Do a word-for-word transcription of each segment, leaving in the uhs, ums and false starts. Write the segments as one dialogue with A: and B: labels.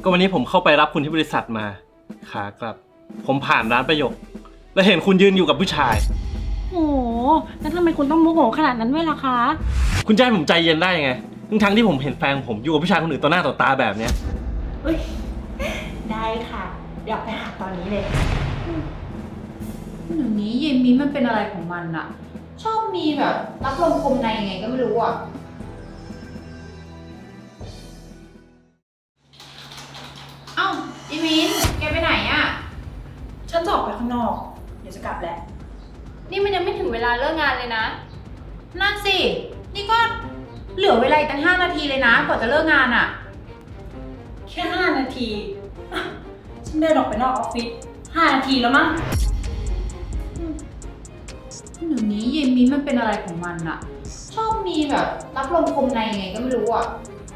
A: ก็วันนี้ผมเข้าไปรับคุณที่บริษัทมาขากลับผมผ่านร้านประโยคแล้วเห็นคุณยืนอยู่กับผู้ชาย
B: โหแล้วทำไมคุณต้องโมโหขนาดนั้นด้วยล่ะคะ
A: คุณจะให้ผมใจเย็นได้ยังไงทั้งทั้งที่ผมเห็นแฟนผมอยู่กับผู้ชายคนอื่นต่อหน้าต่อตาแบบเนี้ย
B: เฮ้ยได้ค่ะเดี๋ยวไปหาตอนนี้เลย
C: เดี๋ยวนี้เยมิมันเป็นอะไรของมันอะชอบมีแบบรับลมคมในยังไงก็ไม่รู้อะเอ้าเยมินแกไปไหนอะ
B: ฉันจะออกไปข้างนอกเดี๋ยวจะกลับแล้ว
D: นี่มันยังไม่ถึงเวลาเลิกงานเลยนะ
C: นั่นสินี่ก็เหลือเวลาอีกตั้งห้านาทีเลยนะกว่าจะเลิกงานอะ
B: แค่ห้านาทีฉันเดินออกไปนอกออฟฟิศห้านาทีแล้วมั้ง
C: เดี๋ยวนี้เยมิมันเป็นอะไรของมันอะชอบมีแบบรับลมคมในยังไงก็ไม่รู้อะ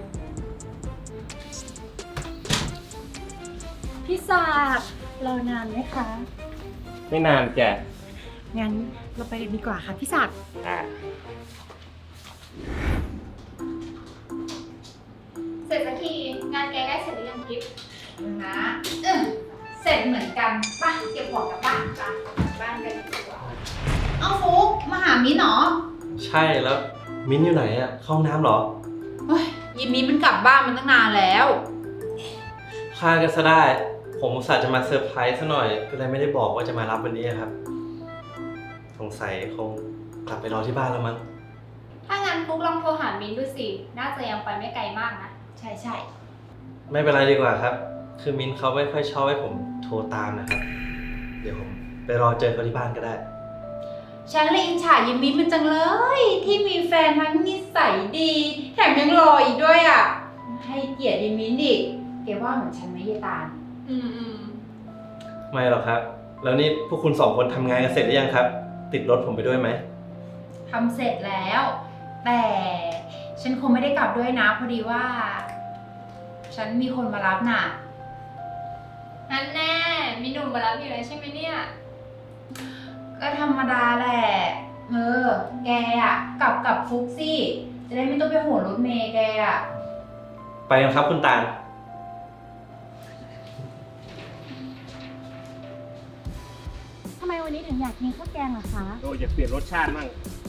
B: พี่ศาสตร์รอนานไหมคะ
A: ไม่นานแก
B: งั้นเราไปกันดีกว่าค่ะพี่ศาสตร์
A: อ่า
D: เสร็จสักทีงานแกได้เสร็จหรือยังทิพย์
C: นะเออเสร็จเหมือนกันป่ะเก็บของกลับบ้านป่ะบ้านกันดีกว่าเอาฟุกมาหามิ้นเหรอ
A: ใช่แล้วมิ้นอยู่ไหนอะเข้าห้องน้ำเหรอ
C: เฮ้ยยิมมิ้นมันกลับบ้านมันตั้งนานแล้ว
A: พากันซะได้ผมอุตส่าห์จะมาเซอร์ไพรส์ซะหน่อยก็เลยไม่ได้บอกว่าจะมารับวันนี้ครับสงสัยคงกลับไปรอที่บ้านแล้วมั้ง
D: ถ้างั้นฟุกลองโทรหามิ้นดูสิน่าจะยังไปไม่ไกลมากนะ
C: ใช่ใช่
A: ไม่เป็นไรดีกว่าครับคือมิ้นเขาไม่ค่อยชอบให้ผมโทรตามนะครับเดี๋ยวผมไปรอเจอเขาที่บ้านก็ได้
C: ฉันเลยอิจฉายิมมิ้นมันจังเลยที่มีแฟนทั้งนิสัยดีแถมยังรออีกด้วยอ่ะให้เกียรติยิมมิ้นดิแกว่าเหมือนฉันไหมยายตาล
D: อืมอืม
A: ไม่หรอกครับแล้วนี่พวกคุณสองคนทำงานกันเสร็จหรือยังครับติดรถผมไปด้วยไหม
C: ทำเสร็จแล้วแต่ฉันคงไม่ได้กลับด้วยนะพอดีว่าฉันมีคนมารับน่ะ
D: นั่นแน่มีหนุ่มมารับอยู่แล้วใช่ไหมเนี่ย
C: ก็ธรรมดาแหละเออแกอ่ะกลับกับฟุกซี่จะได้ไม่ต้องไปโหนรถเมย์แกอ่ะ
A: ไปกันครับคุณตาล
B: ทำไมวันนี้ถึงอยากกินข้าวแกงล่ะคะ
A: โอ้ยอยากเปลี่ยนรสชาติมั่ง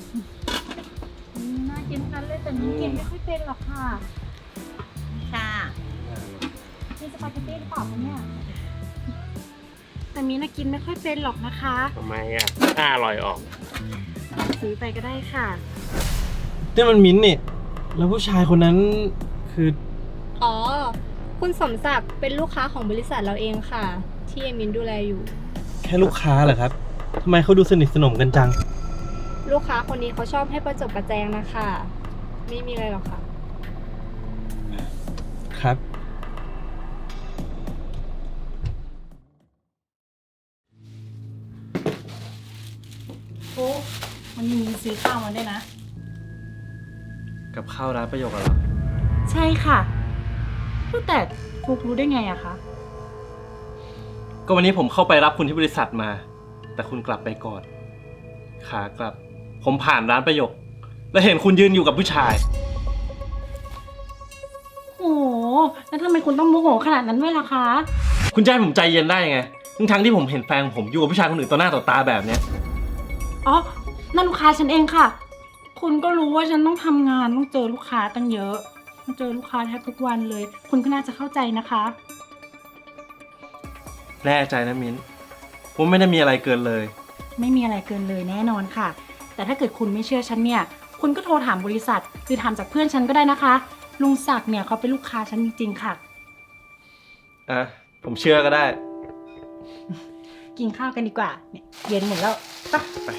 B: น่ากินนั้นเลยแต่นี่กินไม่ค่อยเป็นหรอกค่ะค่ะมีสปาเกตตี้หรือเปล่าคะเนี่ยแต่มีน่ากินไม่ค่อยเป็นหรอกนะคะ
A: ทำไมอ่ะน่าอร่อยออก
B: ซื้อไปก็ได้ค่ะ
A: นี่มันมิ้นท์นี่แล้วผู้ชายคนนั้นคือ
D: อ๋อคุณสมศักดิ์เป็นลูกค้าของบริษัทเราเองค่ะที่เอมินดูแลอยู่
A: แค่ลูกค้าเหรอครับทำไมเขาดูสนิทสนมกันจัง
D: ลูกค้าคนนี้เขาชอบให้ประจบประแจงนะคะไม่มีอะไรหรอกค่ะ
A: ครับ
B: ฟุกมันมีซื้อข้าวมาด้วยนะ
A: กับข้าวร้านประโยคเหรอ
B: ใช่ค่ะแต่ฟุกรู้ได้ไงอะคะ
A: ก็วันนี้ผมเข้าไปรับคุณที่บริษัทมาแต่คุณกลับไปก่อนขากลับผมผ่านร้านประโยคแล้วเห็นคุณยืนอยู่กับผู้ชาย
B: โอ้แล้วทำไมคุณต้องโมโหขนาดนั้นด้วยล่ะคะ
A: คุณจะให้ผมใจเย็นได้ยังไงทั้งทั้งที่ผมเห็นแฟนผมอยู่กับผู้ชายคนอื่นต่อหน้าต่อตาแบบเนี้ย
B: อ๋อนั่นลูกค้าฉันเองค่ะคุณก็รู้ว่าฉันต้องทำงานต้องเจอลูกค้าตั้งเยอะต้องเจอลูกค้าแทบทุกวันเลยคุณก็น่าจะเข้าใจนะคะ
A: แน่ใจนะมิ้นผมไม่ได้มีอะไรเกินเลย
B: ไม่มีอะไรเกินเลยแน่นอนค่ะแต่ถ้าเกิดคุณไม่เชื่อฉันเนี่ยคุณก็โทรถามบริษัทหรือถามจากเพื่อนฉันก็ได้นะคะลุงศักดิ์เนี่ยเขาเป็นลูกค้าฉันจริงๆค่ะ
A: อ่ะผมเชื่อก็ได้
B: กินข้าวกันดีกว่าเนี่ยเย็นหมดแล้วไปไป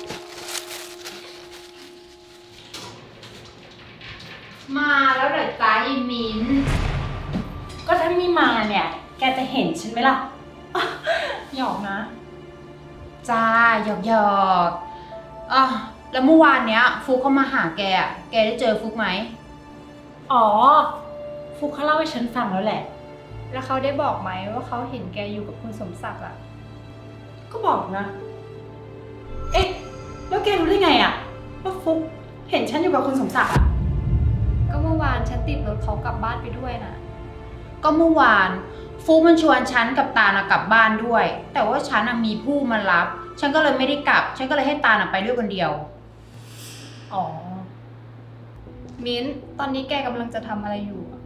C: มาแล้วเหรอจ๊ะยิมิน
B: ก็ถ้าไม่มาเนี่ยแกจะเห็นฉันไหมล่ะหยอกนะ
C: จ้าหยอกหยอกอ่ะแล้วเมื่อวานเนี้ยฟุกเขามาหาแกอ่ะแกได้เจอฟุกไหม
B: อ๋อฟุกเขาเล่าให้ฉันฟังแล้วแหละ
D: แล้วเขาได้บอกไหมว่าเขาเห็นแกอยู่กับคุณสมศักดิ์อ่ะ
B: ก็บอกนะเอ๊ะแล้วแกรู้ได้ไงอ่ะว่าฟุกเห็นฉันอยู่กับคุณสมศักดิ์อ่ะ
D: ก็เมื่อวานฉันติดรถเขากลับบ้านไปด้วยนะ
C: ก็เมื่อวานฟุกมันชวนฉันกับตาลอะกลับบ้านด้วย แต่ว่าฉันอะมีผู้มารับ ฉันก็เลยไม่ได้กลับ ฉันก็เลยให้ตาลอะไปด้วยคนเดียว
D: อ๋อ มิ้นท์ตอนนี้แกกำลังจะทำอะไรอยู่อะ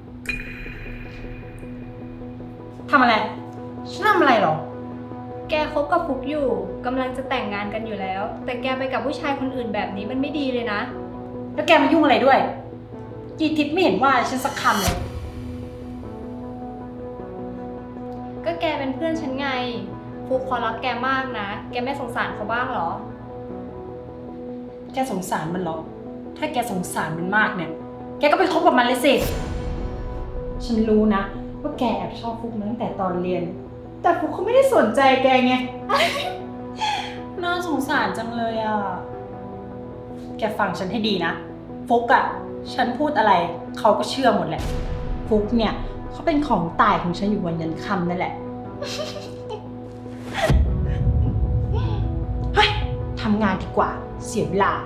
C: ทำอะไร ฉันทำอะไรหรอ
D: แกคบกับฟุกอยู่กำลังจะแต่งงานกันอยู่แล้ว แต่แกไปกับผู้ชายคนอื่นแบบนี้มันไม่ดีเลยนะ
B: แล้วแกมายุ่งอะไรด้วย กีทิพย์ไม่เห็นว่าฉันสักคำเลย
D: ก็แกเป็นเพื่อนฉันไง ฟุกเขารักแกมากนะ แกไม่สงสารเขาบ้างเหรอ
B: แกสงสารมันเหรอ ถ้าแกสงสารมันมากเนี่ย แกก็ไปคบกับมันเลยสิ ฉันรู้นะว่าแกแอบชอบฟุกมาตั้งแต่ตอนเรียน แต่ฟุกเขาไม่ได้สนใจแกไง น่าสงสารจังเลยอ่ะ แกฟังฉันให้ดีนะ ฟุกอ่ะ ฉันพูดอะไรเขาก็เชื่อหมดแหละ ฟุกเนี่ยเขาเป็นของตายของฉันอยู่วันยันค่ำนั่นแหละ เฮ้ยทำงานดีกว่า เสียเวลา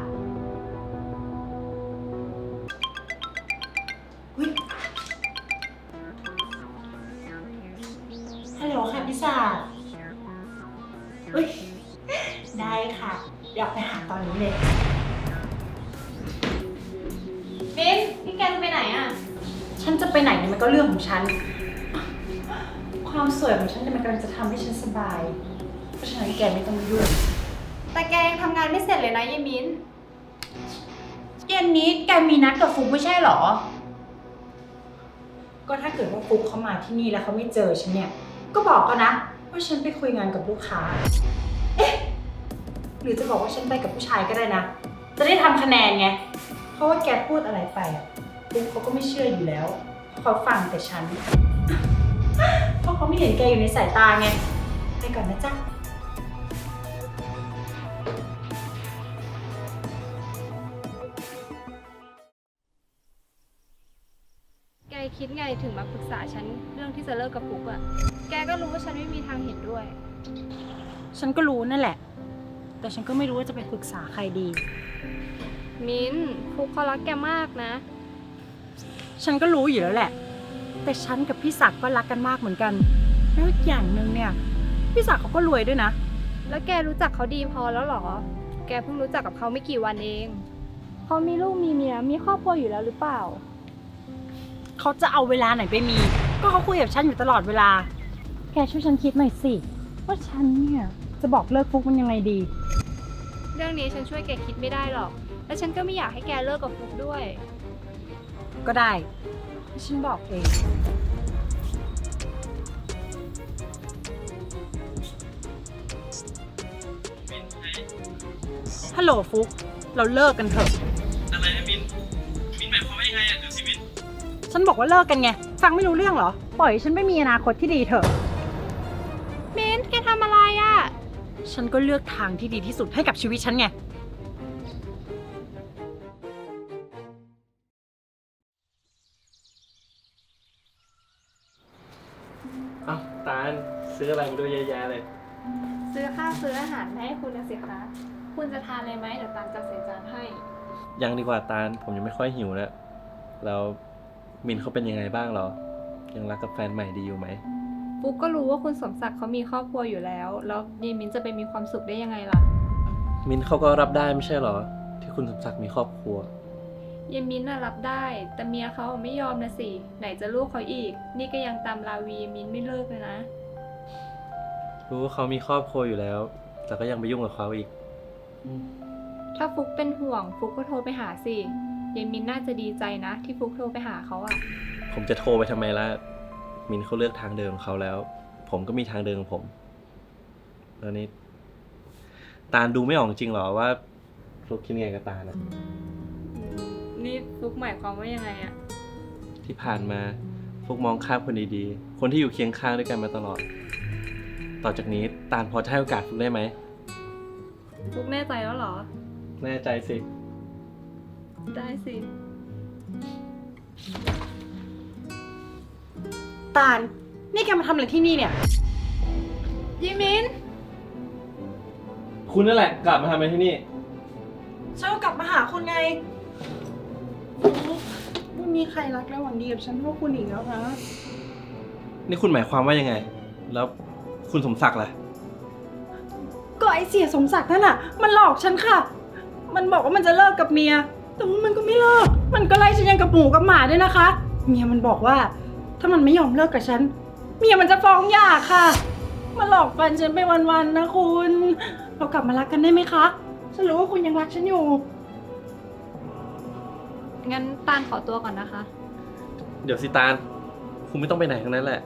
B: ฮัลโหลค่ะพี่สาอุ้ย ได้ค่ะ เดี๋ยวไปหาตอนนี้เลย
D: มิ้นท์นี่แกจะไปไหนอะ
B: ฉันจะไปไหนเนี่ยมันก็เรื่องของฉัน ความสวยของฉันเนี่ยมันกำลังจะทำให้ฉันสบาย เพราะฉะนั้นแกไม่ต้องยุ่ง
D: แต่แกยังทำงานไม่เสร็จเลยนะยายมิ้นท์
C: เย็นนี้แกมีนัดกับฟุกไม่ใช่หรอ
B: ก็ถ้าเกิดว่าฟุกเขามาที่นี่แล้วเขาไม่เจอฉันเนี่ย ก็บอกเขานะว่าฉันไปคุยงานกับลูกค้า เอ๊ะ หรือจะบอกว่าฉันไปกับผู้ชายก็ได้นะ จะได้ทำคะแนนไง เพราะว่าแกพูดอะไรไปอะฟุกเขาก็ไม่เชื่ออยู่แล้ว เขาฟังแต่ฉัน เพราะเขาไม่เห็นแกอยู่ในสายตาไง ไปก่อนนะจ๊ะ
D: แกคิดไงถึงมาปรึกษาฉันเรื่องที่จะเลิกกับฟุกอะแกก็รู้ว่าฉันไม่มีทางเห็นด้วย
B: ฉันก็รู้นั่นแหละ แต่ฉันก็ไม่รู้ว่าจะไปปรึกษาใครดี
D: มิ้นท์ฟุกเขารักแกมากนะ
B: ฉันก็รู้อยู่แล้วแหละ แต่ฉันกับพี่ศักดิ์ก็รักกันมากเหมือนกัน แล้วอีกอย่างหนึ่งเนี่ย พี่ศักดิ์เขาก็รวยด้วยนะ
D: แล้วแกรู้จักเขาดีพอแล้วเหรอ แกเพิ่งรู้จักกับเขาไม่กี่วันเอง เขามีลูกมีเมียมีครอบครัวอยู่แล้วหรือเปล่า
B: เขาจะเอาเวลาไหนไปมี ก็เขาคุยกับฉันอยู่ตลอดเวลา แกช่วยฉันคิดหน่อยสิ ว่าฉันเนี่ยจะบอกเลิกฟุกมันยังไงดี
D: เรื่องนี้ฉันช่วยแกคิดไม่ได้หรอก และฉันก็ไม่อยากให้แกเลิกกับฟุกด้วย
B: ก็ได้ ฉันบอกเอง ฮัลโหลฟุก เราเลิกกันเถอะ
A: อะไรนะมิน มินหมายความว่ายังไงอ่ะเดี๋ยวสิมิน
B: ฉันบอกว่าเลิกกันไง ฟังไม่รู้เรื่องเหรอ ปล่อยให้ฉันไม่มีอนาคตที่ดีเถอะ
D: มิ้นท์แกทำอะไรอะ
B: ฉันก็เลือกทางที่ดีที่สุดให้กับชีวิตฉันไง
A: เอ้าตาลซื้ออะไรมาด้วยเยอะแยะเลย
D: ซื้อข้าวซื้ออาหารมาให้คุณนะสิคะ คุณจะทานอะไรไหมเดี๋ยวตามจัดใส่จานให้
A: ยังดีกว่าตาลผมยังไม่ค่อยหิวแล้วแล้วมินเขาเป็นยังไงบ้างเหรอ ยังรักกับแฟนใหม่ดีอยู่ไหม
D: ฟุกก็รู้ว่าคุณสมศักดิ์เขามีครอบครัวอยู่แล้ว แล้วยีมินจะไปมีความสุขได้ยังไงล่ะ
A: มินเขาก็รับได้ไม่ใช่เหรอ ที่คุณสมศักดิ์มีครอบครัว
D: ยีมินน่ะรับได้ แต่เมียเขาไม่ยอมนะสิ ไหนจะลูกเขาอีก นี่ก็ยังตามราวียีมินไม่เลิกเลยนะ
A: รู้ว่าเขามีครอบครัวอยู่แล้ว แต่ก็ยังไปยุ่งกับเขาอีก
D: ถ้าฟุกเป็นห่วง ฟุกก็โทรไปหาสิยีมินน่าจะดีใจนะ ที่ฟุกโทรไปหาเขาอะ
A: ผมจะโทรไปทำไมล่ะ มินเขาเลือกทางเดินของเขาแล้ว ผมก็มีทางเดินของผม แล้วนี่ตาลดูไม่ออกจริงเหรอว่าฟลุกคิดไงกับตาลนะ
D: นี่ฟุกหมายความว่ายังไงอะ
A: ที่ผ่านมาฟลุกมองข้ามคนดีๆ คนที่อยู่เคียงข้างด้วยกันมาตลอด ต่อจากนี้ตาลพอจะให้โอกาสฟลุกได้ไหม
D: ฟุกแน่ใจแล้วเหรอ
A: แน่ใจสิ
D: ได้สิ
B: ตาล นี่แกมาทำอะไรที่นี่เนี่ย
D: ยีมิน
A: คุณนั่นแหละกลับมาทำอะไรที่นี่
B: ฉันก็กลับมาหาคุณไงไม่มีใครรักและหวังดีกับฉันเท่าคุณอีกแล้วนะ
A: นี่คุณหมายความว่ายังไง แล้วคุณสมศักดิ์ล่ะ
B: ก็ไอเสียสมศักดิ์นั่นน่ะ มันหลอกฉันค่ะ มันบอกว่ามันจะเลิกกับเมีย แต่ว่ามันก็ไม่เลิก มันก็ไล่ฉันยังกับหมูกับหมาด้วยนะคะ เมียมันบอกว่า ถ้ามันไม่ยอมเลิกกับฉัน เมียมันจะฟ้องหย่าค่ะ มาหลอกฟันฉันไปวันๆนะคุณ เรากลับมารักกันได้ไหมคะ ฉันรู้ว่าคุณยังรักฉันอยู่
D: งั้นตาลขอตัวก่อนนะคะ
A: เดี๋ยวสิตาล คุณไม่ต้องไปไหนทั้งนั้นแหละ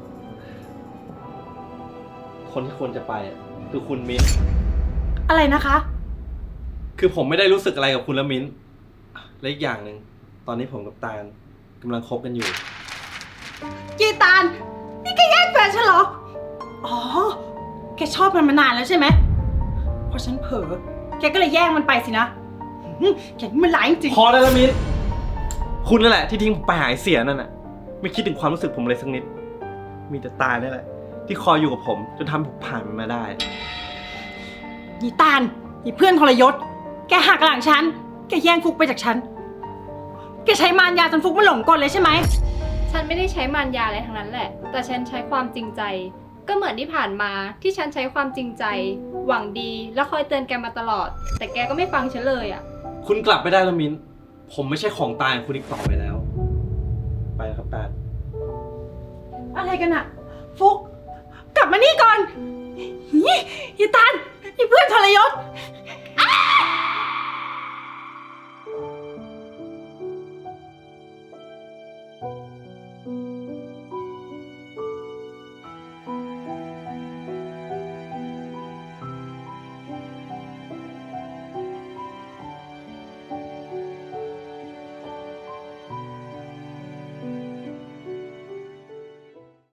A: คนที่ควรจะไปอะคือคุณมิ้น
B: อะไรนะคะ
A: คือผมไม่ได้รู้สึกอะไรกับคุณและมิ้น และอีกอย่างหนึ่ง ตอนนี้ผมกับตาลกำลังคบกันอยู่
B: กีตาลนี่แกแย่งแฟนฉันเหรอ อ๋อ แกชอบมันมานานแล้วใช่ไหมพอฉันเผลอ แกก็เลยแย่งมันไปสินะหืมแกนี่มันร้ายจริง
A: พอได้แล้วมิ้น คุณนั่นแหละที่ทิ้งผมไปหายเสียนั่นน่ะ ไม่คิดถึงความรู้สึกผมเลยสักนิด มีแต่ตานี่แหละ ที่คอยอยู่กับผมจนทำให้ผมผ่านมันมาได้
B: ยีตาลยีเพื่อนทรยศ แกหักหลังฉัน แกแย่งฟุกไปจากฉัน แกใช้มารยาจนฟุกมันหลงกลเลยใช่ไหม
D: ฉันไม่ได้ใช้มารยาอะไรทั้งนั้นแหละ แต่ฉันใช้ความจริงใจ ก็เหมือนที่ผ่านมาที่ฉันใช้ความจริงใจ หวังดีแล้วคอยเตือนแกมาตลอด แต่แกก็ไม่ฟังฉันเลยอ่ะ
A: คุณกลับไปได้แล้วมิ้น ผมไม่ใช่ของตายของคุณอีกต่อไปแล้ว ไปแล้วครับตาล
B: อะไรกันอะฟุก กลับมานี่ก่อนยียีตาลยีเพื่อนทรยศ แก